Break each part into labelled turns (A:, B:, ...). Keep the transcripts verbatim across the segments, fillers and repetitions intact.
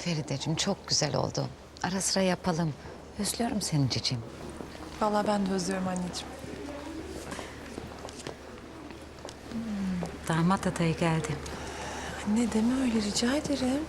A: Ferideciğim çok güzel oldu. Ara sıra yapalım. Özlüyorum seni cicim.
B: Vallahi ben de özlüyorum anneciğim.
A: Damat adayı geldi.
B: Anne deme öyle, rica ederim.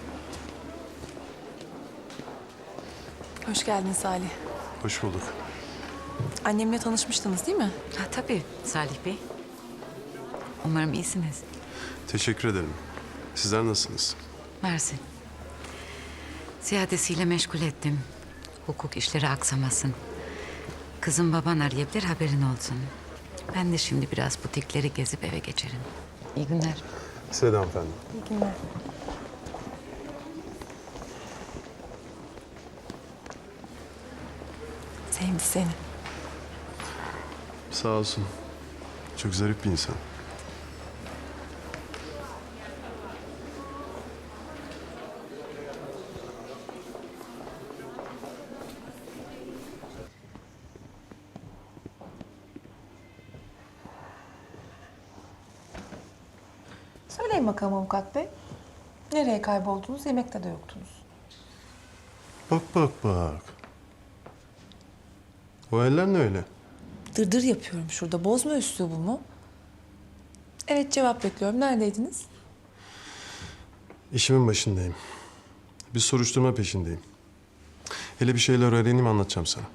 B: Hoş geldin Salih.
C: Hoş bulduk.
B: Annemle tanışmıştınız değil mi?
A: Ha tabii Salih Bey. Umarım iyisiniz.
C: Teşekkür ederim. Sizler nasılsınız?
A: Mersi. Ziyadesiyle meşgul ettim. Hukuk işleri aksamasın. Kızım baban arayabilir, haberin olsun. Ben de şimdi biraz butikleri gezip eve geçerim. İyi günler.
C: Size de hanımefendi.
B: İyi günler. Sevdi seni.
C: Sağ olsun. Çok zarif bir insan.
B: Söyleyin bakalım avukat bey. Nereye kayboldunuz? Yemekte de yoktunuz.
C: Bak bak bak. O eller ne öyle?
B: Dırdır yapıyorum şurada. Bozma üslubumu. Evet, cevap bekliyorum. Neredeydiniz?
C: İşimin başındayım. Bir soruşturma peşindeyim. Hele bir şeyler öğreneyim, anlatacağım sana.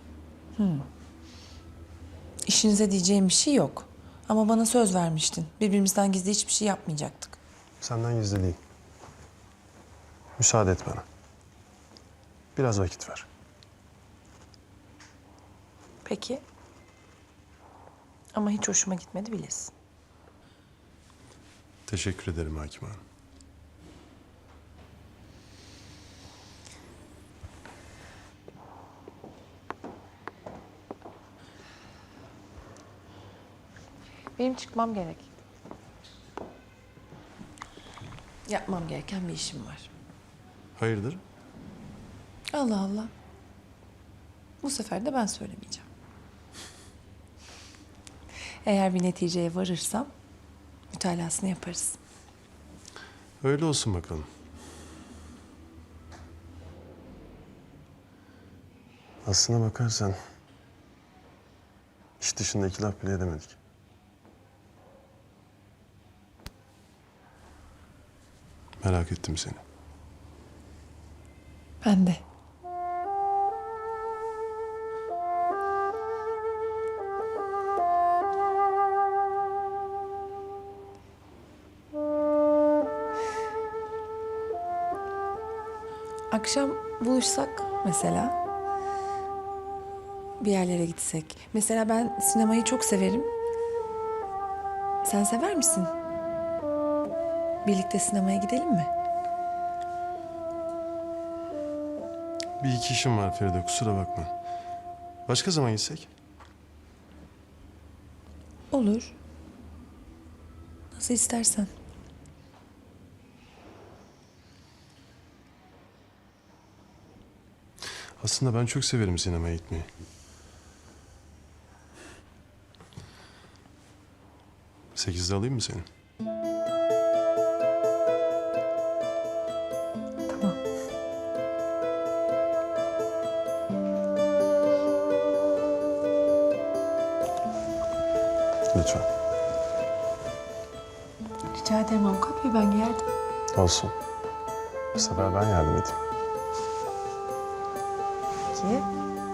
B: İşinize diyeceğim bir şey yok. Ama bana söz vermiştin. Birbirimizden gizli hiçbir şey yapmayacaktık.
C: Senden gizli değil. Müsaade et bana. Biraz vakit ver.
B: Peki. Ama hiç hoşuma gitmedi bilirsin.
C: Teşekkür ederim Hakim Hanım.
B: Benim çıkmam gerek. Yapmam gereken bir işim var.
C: Hayırdır?
B: Allah Allah. Bu sefer de ben söylemeyeceğim. Eğer bir neticeye varırsam mütalasını yaparız.
C: Öyle olsun bakalım. Aslına bakarsan iş dışında iki laf bile edemedik. Merak ettim seni.
B: Ben de. Akşam buluşsak mesela. Bir yerlere gitsek. Mesela ben sinemayı çok severim. Sen sever misin? Birlikte sinemaya gidelim mi?
C: Bir iki işim var Feride, kusura bakma. Başka zaman gitsek?
B: Olur. Nasıl istersen.
C: Aslında ben çok severim sinemaya gitmeyi. Sekizde alayım mı seni?
B: Tamam.
C: Lütfen.
B: Rica ederim avukat bey, ben geldim.
C: Olsun. Bu sefer ben yardım edeyim.
B: Peki.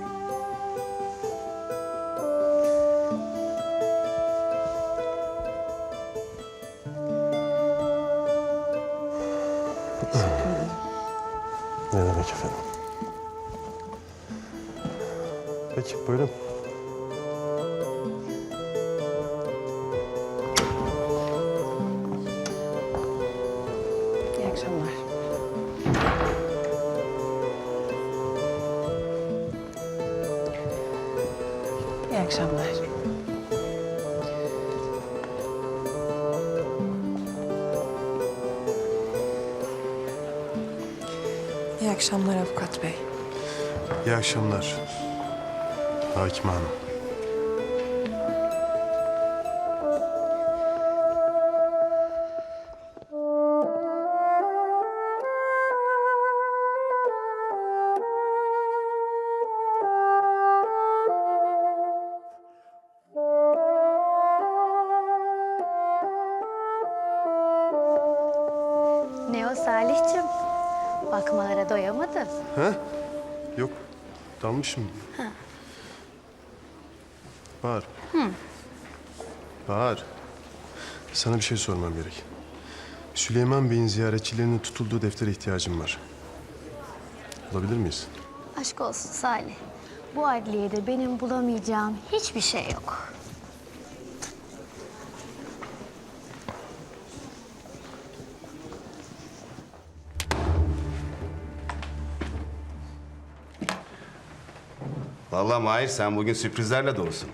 B: Teşekkür ederim.
C: Ne demek efendim? Peki, buyurun.
B: İyi akşamlar. İyi akşamlar. İyi akşamlar avukat bey.
C: İyi akşamlar. Hakim Hanım.
D: Bakmalara doyamadın.
C: He? Yok. Dalmışım. Bahar. Bahar. Sana bir şey sormam gerek. Süleyman Bey'in ziyaretçilerinin tutulduğu deftere ihtiyacım var. Bulabilir miyiz?
D: Aşk olsun Salih. Bu adliyede benim bulamayacağım hiçbir şey yok.
E: Vallahi Mahir sen bugün sürprizlerle dolusun.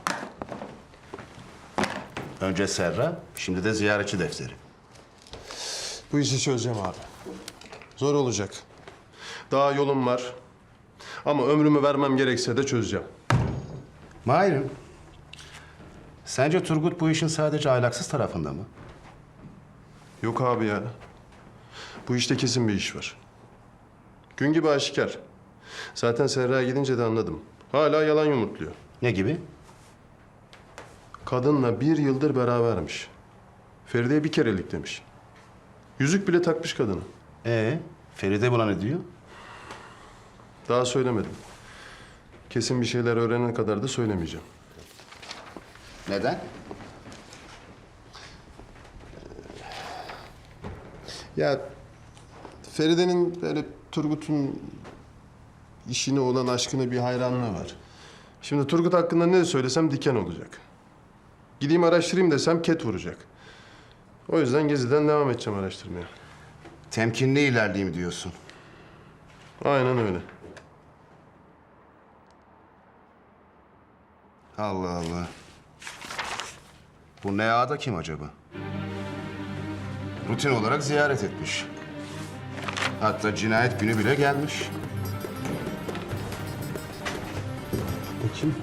E: Önce Serra, şimdi de ziyaretçi defteri.
C: Bu işi çözeceğim abi. Zor olacak. Daha yolum var. Ama ömrümü vermem gerekse de çözeceğim.
E: Mahir'im, sence Turgut bu işin sadece ahlaksız tarafında mı?
C: Yok abi ya. Bu işte kesin bir iş var. Gün gibi aşikar. Zaten Serra'ya gidince de anladım. Hala yalan yumurtluyor.
E: Ne gibi?
C: Kadınla bir yıldır berabermiş. Feride'ye bir kerelik demiş. Yüzük bile takmış kadına.
E: Ee, Feride buna ne diyor?
C: Daha söylemedim. Kesin bir şeyler öğrenene kadar da söylemeyeceğim.
E: Neden?
C: Ya Feride'nin böyle Turgut'un işine olan aşkına bir hayranlığı var. Şimdi Turgut hakkında ne söylesem diken olacak. Gideyim araştırayım desem ket vuracak. O yüzden Gezi'den devam edeceğim araştırmaya.
E: Temkinli ilerleyeyim diyorsun.
C: Aynen öyle.
E: Allah Allah. Bu Nea da kim acaba? Rutin olarak ziyaret etmiş. Hatta cinayet günü bile gelmiş.
C: Bakayım.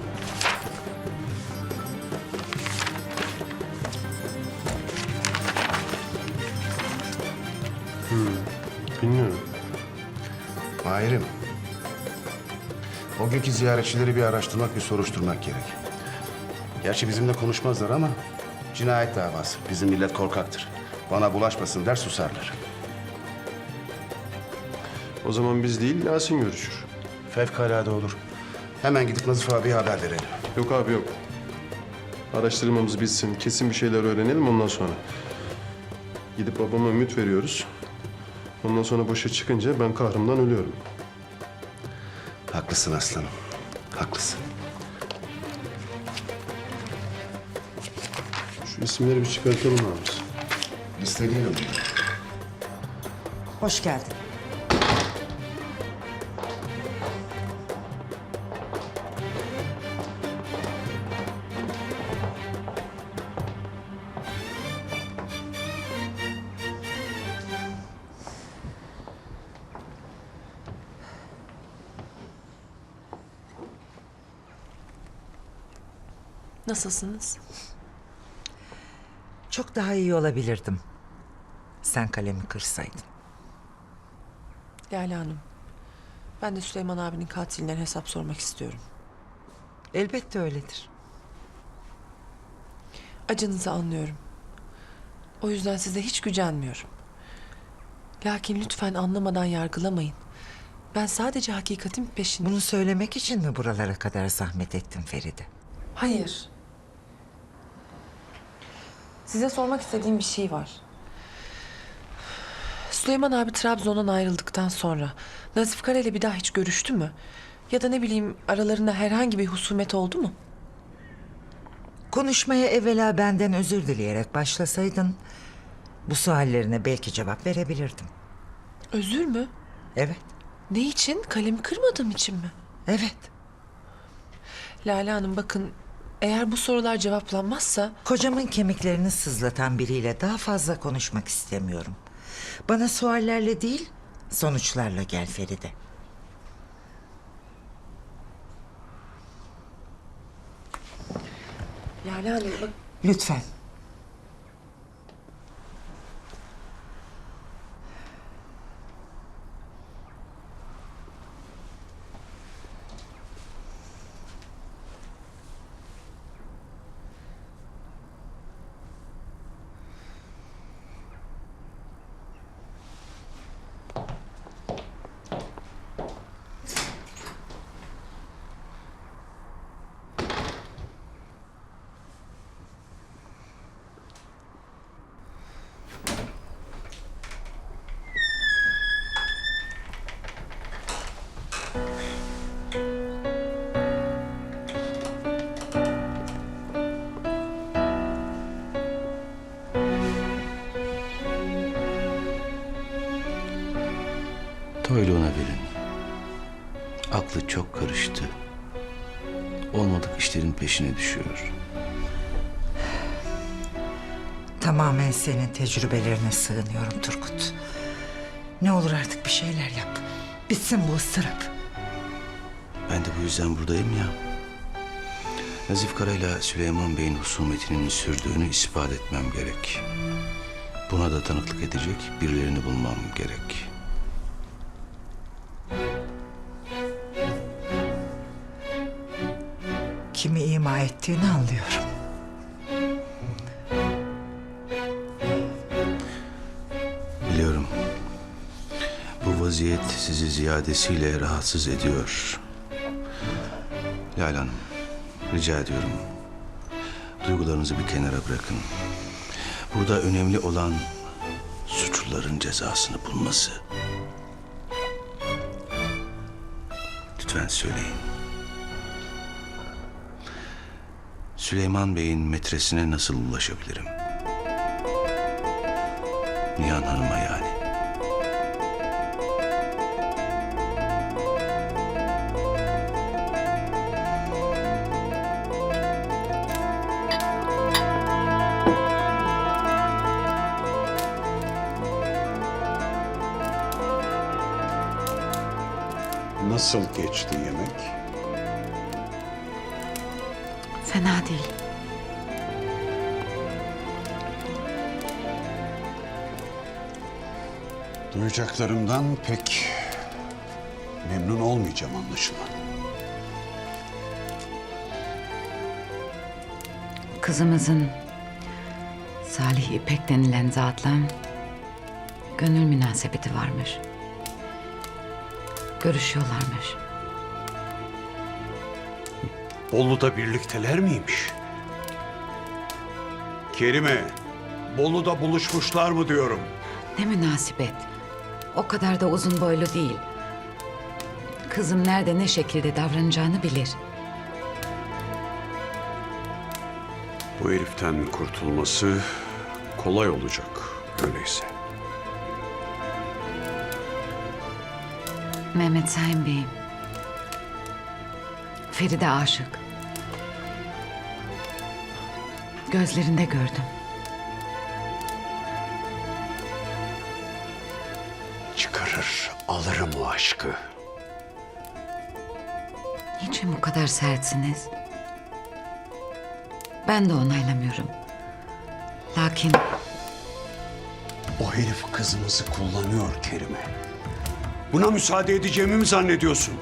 C: Hmm, bilmiyorum.
E: Mahir'im, o günkü ziyaretçileri bir araştırmak, bir soruşturmak gerek. Gerçi bizimle konuşmazlar ama cinayet davası. Bizim millet korkaktır. Bana bulaşmasın der, susarlar.
C: O zaman biz değil Yasin görüşür.
E: Fevkalade olur. Hemen gidip Nazif abiye haber verelim.
C: Yok abi yok. Araştırmamız bitsin, kesin bir şeyler öğrenelim ondan sonra. Gidip babama ümit veriyoruz. Ondan sonra boşa çıkınca ben kahrımdan ölüyorum.
E: Haklısın aslanım, haklısın.
C: Şu isimleri bir çıkartalım abi.
E: Listeleyelim.
F: Hoş geldin.
B: Nasılsınız?
F: Çok daha iyi olabilirdim. Sen kalemi kırsaydın.
B: Lale Hanım, ben de Süleyman abinin katilinden hesap sormak istiyorum.
F: Elbette öyledir.
B: Acınızı anlıyorum. O yüzden size hiç gücenmiyorum. Lakin lütfen anlamadan yargılamayın. Ben sadece hakikatin peşinde...
F: Bunu söylemek için mi buralara kadar zahmet ettin Feride?
B: Hayır. Size sormak istediğim bir şey var. Süleyman abi Trabzon'dan ayrıldıktan sonra Nazif Kara ile bir daha hiç görüştü mü? Ya da ne bileyim aralarında herhangi bir husumet oldu mu?
F: Konuşmaya evvela benden özür dileyerek başlasaydın... ...bu suallerine belki cevap verebilirdim.
B: Özür mü?
F: Evet,
B: Ne için? Kalemi kırmadığım için mi?
F: evet.
B: Lale Hanım bakın, eğer bu sorular cevaplanmazsa...
F: Kocamın kemiklerini sızlatan biriyle daha fazla konuşmak istemiyorum. Bana suallerle değil, sonuçlarla gel Feride.
B: Lale Hanım bak...
F: Lütfen.
G: Söyle ona verin. Aklı çok karıştı. Olmadık işlerin peşine düşüyor.
F: Tamamen senin tecrübelerine sığınıyorum Turgut. Ne olur artık bir şeyler yap. Bitsin bu ıstırap.
G: Ben de bu yüzden buradayım ya. Nazif Kara'yla Süleyman Bey'in husumetinin sürdüğünü ispat etmem gerek. Buna da tanıklık edecek birilerini bulmam gerek.
F: Kimi ima ettiğini anlıyorum.
G: Biliyorum. Bu vaziyet sizi ziyadesiyle rahatsız ediyor. Lale Hanım, rica ediyorum. Duygularınızı bir kenara bırakın. Burada önemli olan suçluların cezasını bulması. Lütfen söyleyin. Süleyman Bey'in metresine nasıl ulaşabilirim? Nihan Hanım'a yani.
H: Nasıl geçti yemek?
A: Fena değil.
H: Duyacaklarımdan pek memnun olmayacağım anlaşılan.
A: Kızımızın Salih İpek denilen zatla gönül münasebeti varmış. Görüşüyorlarmış.
H: Bolu'da birlikteler miymiş? Kerime, Bolu'da buluşmuşlar mı diyorum.
A: Ne münasebet. O kadar da uzun boylu değil. Kızım nerede ne şekilde davranacağını bilir.
H: Bu heriften kurtulması kolay olacak öyleyse.
A: Mehmet Sayın Bey'im. Feride aşık. Gözlerinde gördüm.
H: Çıkarır, alırım o aşkı.
A: Niçin bu kadar sertsiniz? Ben de onaylamıyorum. Lakin
H: O herif kızımızı kullanıyor Kerime. Buna müsaade edeceğimi mi zannediyorsun?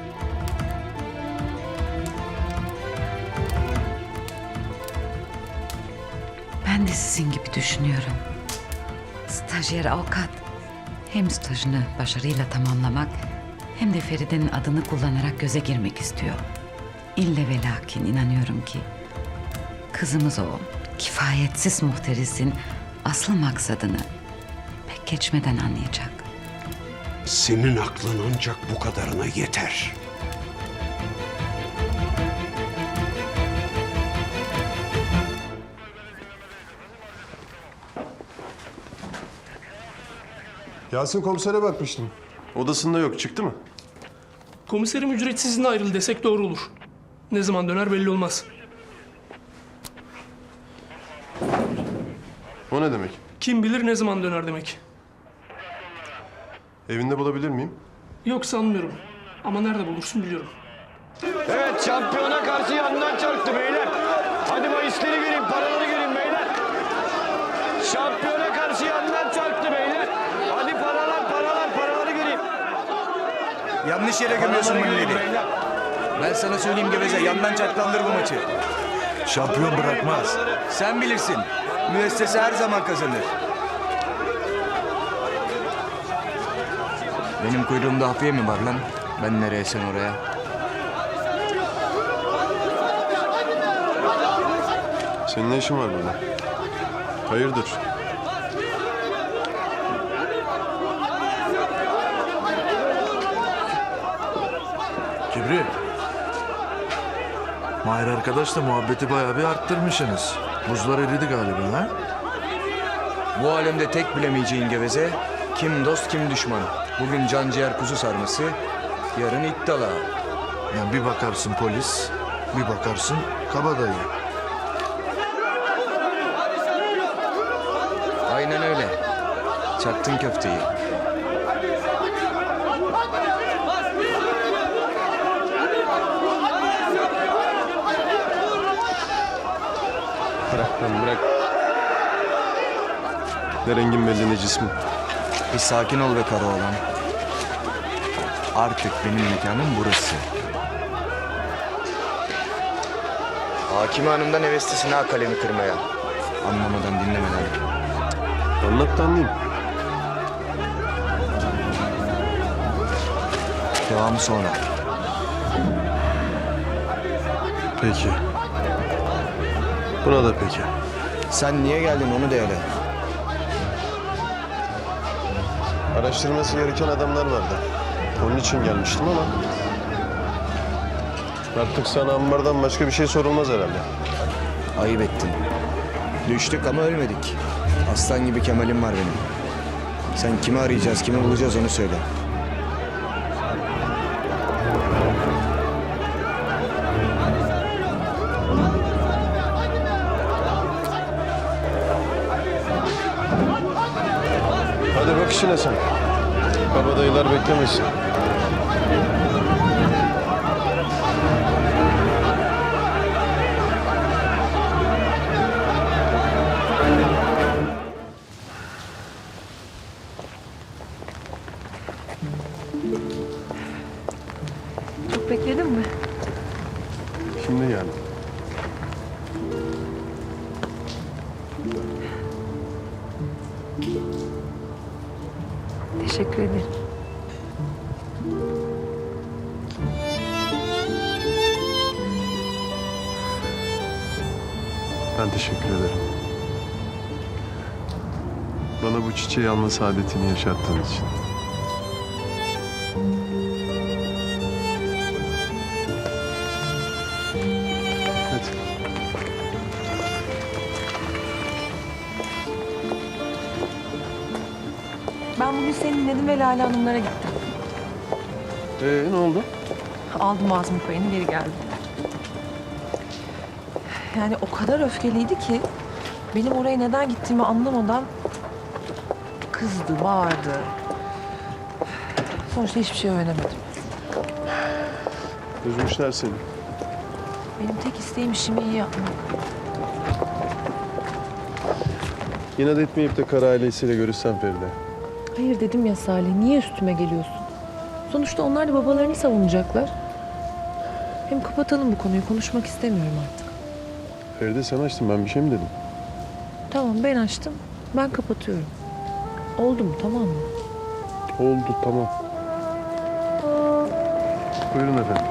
A: ben de sizin gibi düşünüyorum. Stajyer avukat hem stajını başarıyla tamamlamak hem de Feride'nin adını kullanarak göze girmek istiyor. İlle ve lakin inanıyorum ki kızımız o kifayetsiz muhterisin asıl maksadını pek geçmeden anlayacak.
H: Senin aklın ancak bu kadarına yeter.
C: Yasin komisere bakmıştım. Odasında yok. Çıktı mı?
I: Komiserim ücretsiz izne ayrıldı desek doğru olur. Ne zaman döner belli olmaz.
C: O ne demek?
I: Kim bilir ne zaman döner demek.
C: Evinde bulabilir miyim?
I: Yok sanmıyorum. Ama nerede bulursun biliyorum.
J: Evet, şampiyona karşı yandan çarptı beyler. Hadi bahisleri göreyim, paraları göreyim beyler. Şampiyona karşı yandan çarptı beyler. Hadi paralar, paralar, paraları göreyim.
K: Yanlış yere gömüyorsun milleri. Ben sana söyleyeyim Geveze, yandan çarklandır bu maçı. Şampiyon bırakmaz. Sen bilirsin. Müessese her zaman kazanır. Benim kuyruğumda hafiye mi var lan? Ben nereye sen oraya?
C: Senin ne işin var burada? Hayırdır?
L: Kibri. Mahir arkadaşla muhabbeti bayağı bir arttırmışsınız. Buzlar eridi galiba ha?
K: Bu alemde tek bilemeyeceğin Geveze, Kim dost kim düşman. Bugün canciğer kuzu sarması, yarın it dalağı.
L: Yani bir bakarsın polis, bir bakarsın kabadayı.
K: Aynen öyle. Çaktın köfteyi.
C: Bırak lan bırak. Ne rengin belli ne cismin.
K: Bir sakin ol be Karaoğlan. Artık benim mekanım burası. Hakime Hanım'dan heveslisin ha kalemi kırmaya. Anlamadan dinlemeden.
C: Anlat da anlayayım.
K: Devamı sonra.
C: Peki. Buna da peki.
K: Sen niye geldin onu da hele.
C: Araştırması gereken adamlar vardı. Onun için gelmiştim ama... Artık sana ambardan başka bir şey sorulmaz herhalde.
K: Ayıp ettin. Düştük ama ölmedik. Aslan gibi Kemal'im var benim. Sen kimi arayacağız, kimi bulacağız onu söyle.
C: Hadi bak işine sen. Kabadayılar beklemesin.
B: Çok bekledin mi?
C: Şimdi geldim.
B: Teşekkür ederim.
C: Ben teşekkür ederim. Bana bu çiçeği alma saadetini yaşattığın için. Hadi.
B: Ben bugün senin Nedim ve Lale Hanımlara gittim.
C: Ee, ne oldu?
B: Aldım Azmi payını geri geldim. Yani o kadar öfkeliydi ki benim oraya neden gittiğimi anlamadan kızdı, bağırdı. Sonuçta hiçbir şey öğrenemedim.
C: Üzmüşler seni.
B: Benim tek isteğim işimi iyi yapmak.
C: İnat etmeyip de kara ailesiyle görüşsen Feride.
B: Hayır dedim ya Salih, niye üstüme geliyorsun? Sonuçta onlar da babalarını savunacaklar. Hem kapatalım bu konuyu, konuşmak istemiyorum artık.
C: Feride sen açtın, ben bir şey mi dedim?
B: Tamam ben açtım, ben kapatıyorum. Oldu mu, tamam mı?
C: Oldu, tamam. Buyurun efendim.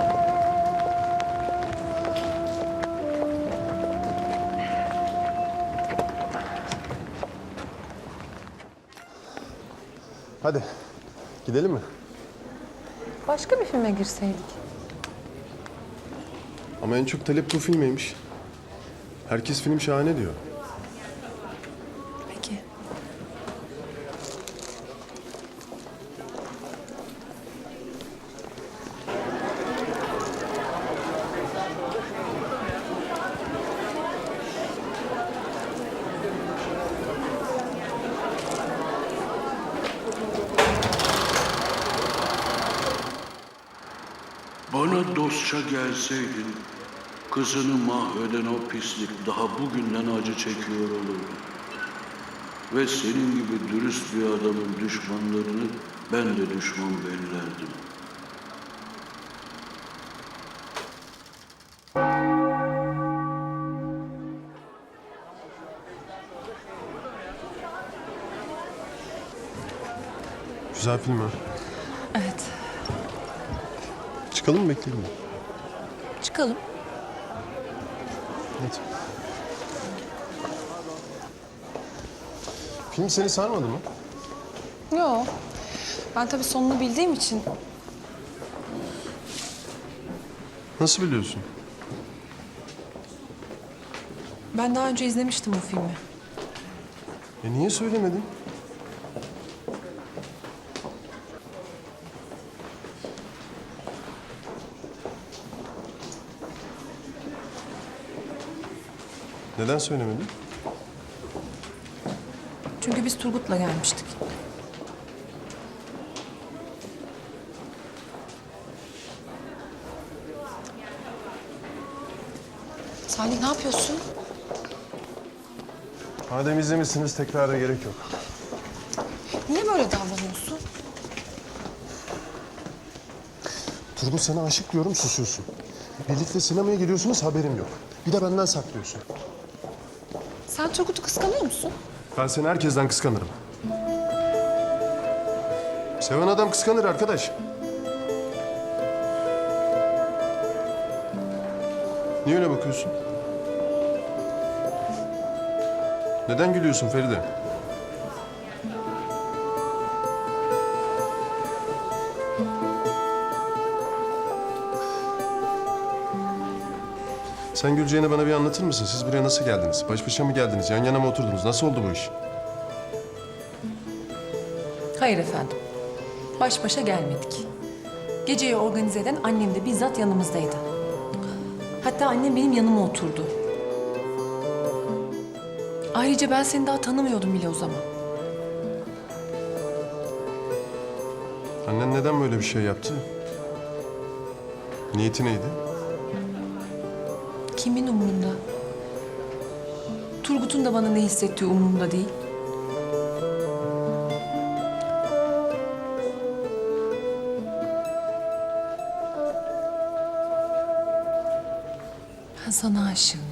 C: Hadi, gidelim mi?
B: Başka bir filme girseydik.
C: Ama en çok talep bu filmeymiş. Herkes film şahane diyor.
B: Peki.
M: Bana dostça gelseydin, kızını mahveden o pislik daha bugünden acı çekiyor olurdu. Ve senin gibi dürüst bir adamın düşmanlarını ben de düşman bellerdim.
C: Güzel film ha.
B: Evet,
C: Çıkalım mı, bekleyelim mi?
B: çıkalım.
C: Hadi. Film seni sarmadı mı?
B: Yo, ben tabii sonunu bildiğim için
C: Nasıl biliyorsun?
B: ben daha önce izlemiştim bu filmi.
C: E niye söylemedin? Neden söylemedin?
B: Çünkü biz Turgut'la gelmiştik. Salih ne yapıyorsun?
C: Madem izlemişsiniz tekrara gerek yok.
B: Niye böyle davranıyorsun?
C: Turgut sana aşık diyorum susuyorsun. Birlikte sinemaya gidiyorsunuz haberim yok. Bir de benden saklıyorsun.
B: Sen Turgut'u kıskanıyor musun?
C: Ben seni herkesten kıskanırım. Seven adam kıskanır arkadaş. Niye öyle bakıyorsun? Neden gülüyorsun Feride? Sen güleceğini bana bir anlatır mısın? Siz buraya nasıl geldiniz? Baş başa mı geldiniz? Yan yana mı oturdunuz? Nasıl oldu bu iş?
B: Hayır efendim. Baş başa gelmedik. Geceyi organize eden annem de bizzat yanımızdaydı. Hatta annem benim yanıma oturdu. Ayrıca ben seni daha tanımıyordum bile o zaman.
C: Annen neden böyle bir şey yaptı? Niyeti neydi?
B: Kimin umurunda? Turgut'un da bana ne hissettiği umurumda değil. Ben sana aşığım.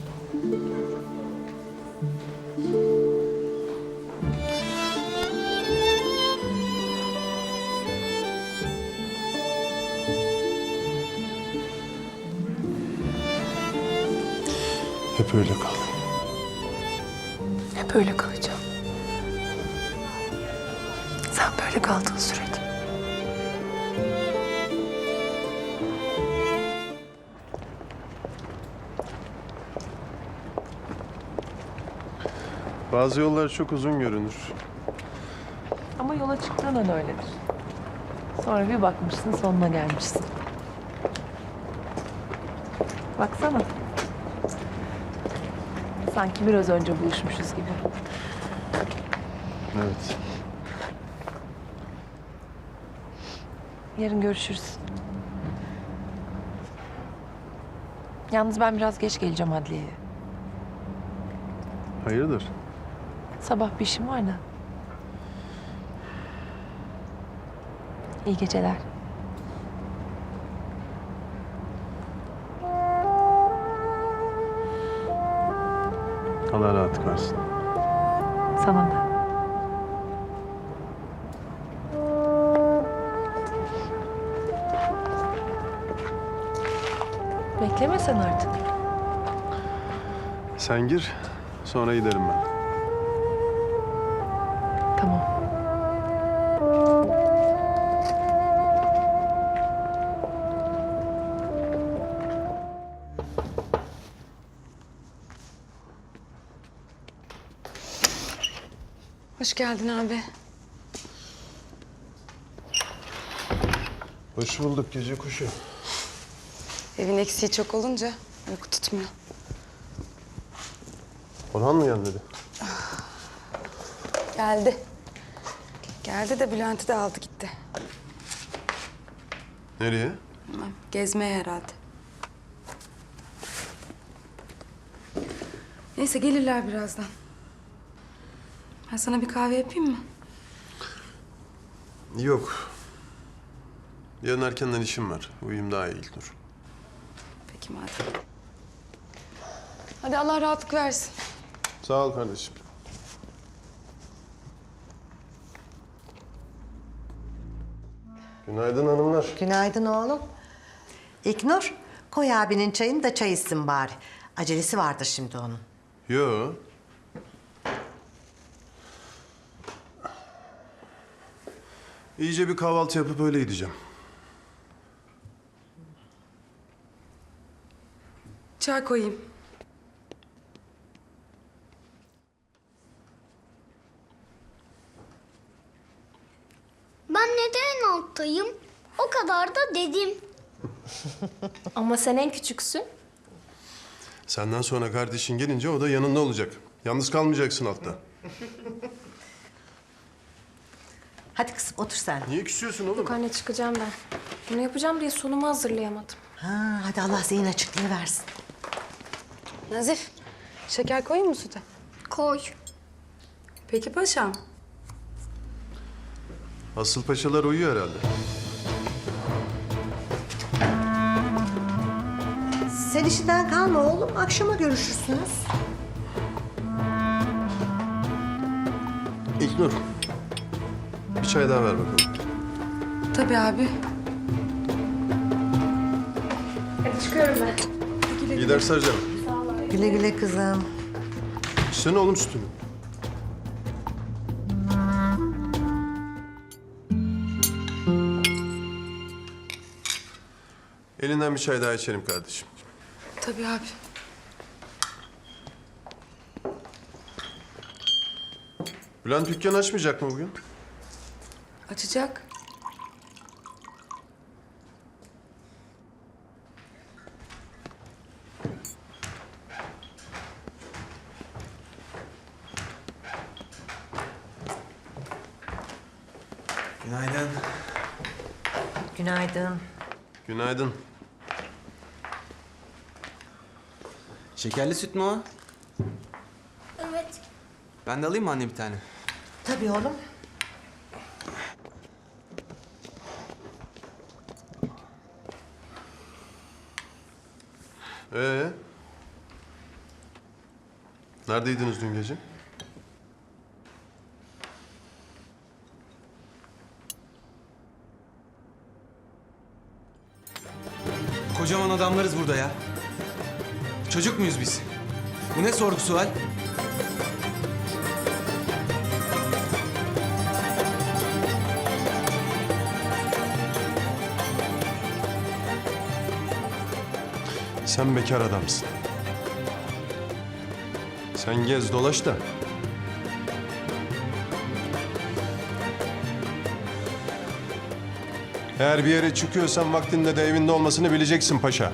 C: Hep öyle kal.
B: Hep öyle kalacağım. Sen böyle kaldığın sürece.
C: Bazı yollar çok uzun görünür.
B: Ama yola çıktığın an öyledir. Sonra bir bakmışsın sonuna gelmişsin. Baksana. Sanki biraz önce buluşmuşuz gibi.
C: Evet.
B: Yarın görüşürüz. Yalnız ben biraz geç geleceğim adliyeye.
C: Hayırdır?
B: Sabah bir işim var da. İyi geceler.
C: Allah rahatlık versin.
B: Sana da. Bekleme sen artık.
C: Sen gir, sonra giderim ben.
B: Tamam.
A: Hoş geldin abi.
C: Hoş bulduk gece kuşu.
A: Evin eksiği çok olunca uyku tutmuyor.
C: Orhan mı gelmedi?
A: Geldi. Geldi de Bülent'i de aldı gitti.
C: Nereye?
A: Bilmem, gezmeye herhalde. Neyse gelirler birazdan. Ben sana bir kahve yapayım mı?
C: Yok. Yarın erkenden işim var. Uyuyayım daha iyi İlknur.
A: Peki madem. Hadi Allah rahatlık versin.
C: Sağ ol kardeşim. Günaydın hanımlar.
N: Günaydın oğlum. İlknur, koy abinin çayını da çay içsin bari. Acelesi vardır şimdi onun.
C: Yo. İyice bir kahvaltı yapıp öyle gideceğim.
A: Çay koyayım.
D: Ben neden en alttayım? O kadar da dedim.
O: Ama sen en küçüksün.
C: Senden sonra kardeşin gelince o da yanında olacak. Yalnız kalmayacaksın altta.
N: Hadi kızım otur sen.
C: Niye küsüyorsun oğlum?
O: Yok anne çıkacağım ben. Bunu yapacağım diye sonumu hazırlayamadım.
N: Ha, hadi Allah zihin açıklığı versin.
O: Nazif, şeker koyayım mı süte?
D: Koy.
O: Peki paşam.
C: Asıl paşalar uyuyor herhalde.
N: Sen işinden kalma oğlum. Akşama görüşürsünüz.
C: İlknur. Bir çay daha ver bakalım.
O: Tabii abi. Hadi çıkıyorum ben.
C: İyi dersler canım.
N: Güle güle kızım.
C: İçsene oğlum sütünü. Elinden bir çay daha içelim kardeşim.
O: Tabii abi.
C: Bülent dükkan açmayacak mı bugün?
O: Açacak.
K: Günaydın.
N: Günaydın.
C: Günaydın.
K: Şekerli süt mü o?
D: Evet.
K: Ben de alayım mı anne bir tane?
N: Tabii oğlum.
C: Ee? Neredeydiniz dün gece?
K: Kocaman adamlarız burada ya. Çocuk muyuz biz? Bu ne sorgu sual?
C: Sen bekar adamsın. Sen gez dolaş da. Eğer bir yere çıkıyorsan vaktinde de evinde olmasını bileceksin paşa.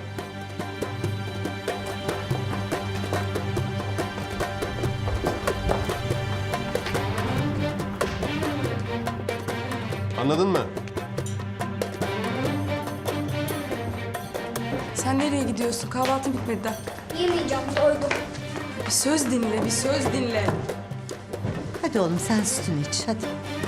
C: Anladın mı?
O: Sen nereye gidiyorsun? Kahvaltın bitmedi daha.
D: Yemeyeceğim, doydum.
O: Bir söz dinle, bir söz dinle.
N: Hadi oğlum sen sütünü iç hadi.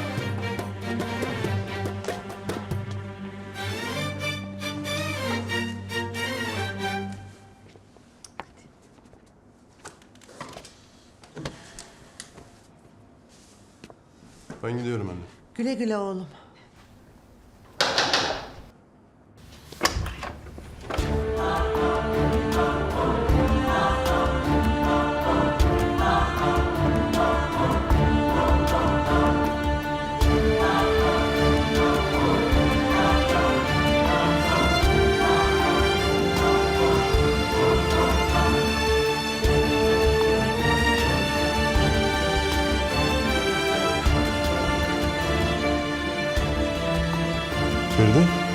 C: Ben gidiyorum anne.
N: Güle güle oğlum.
C: Feride?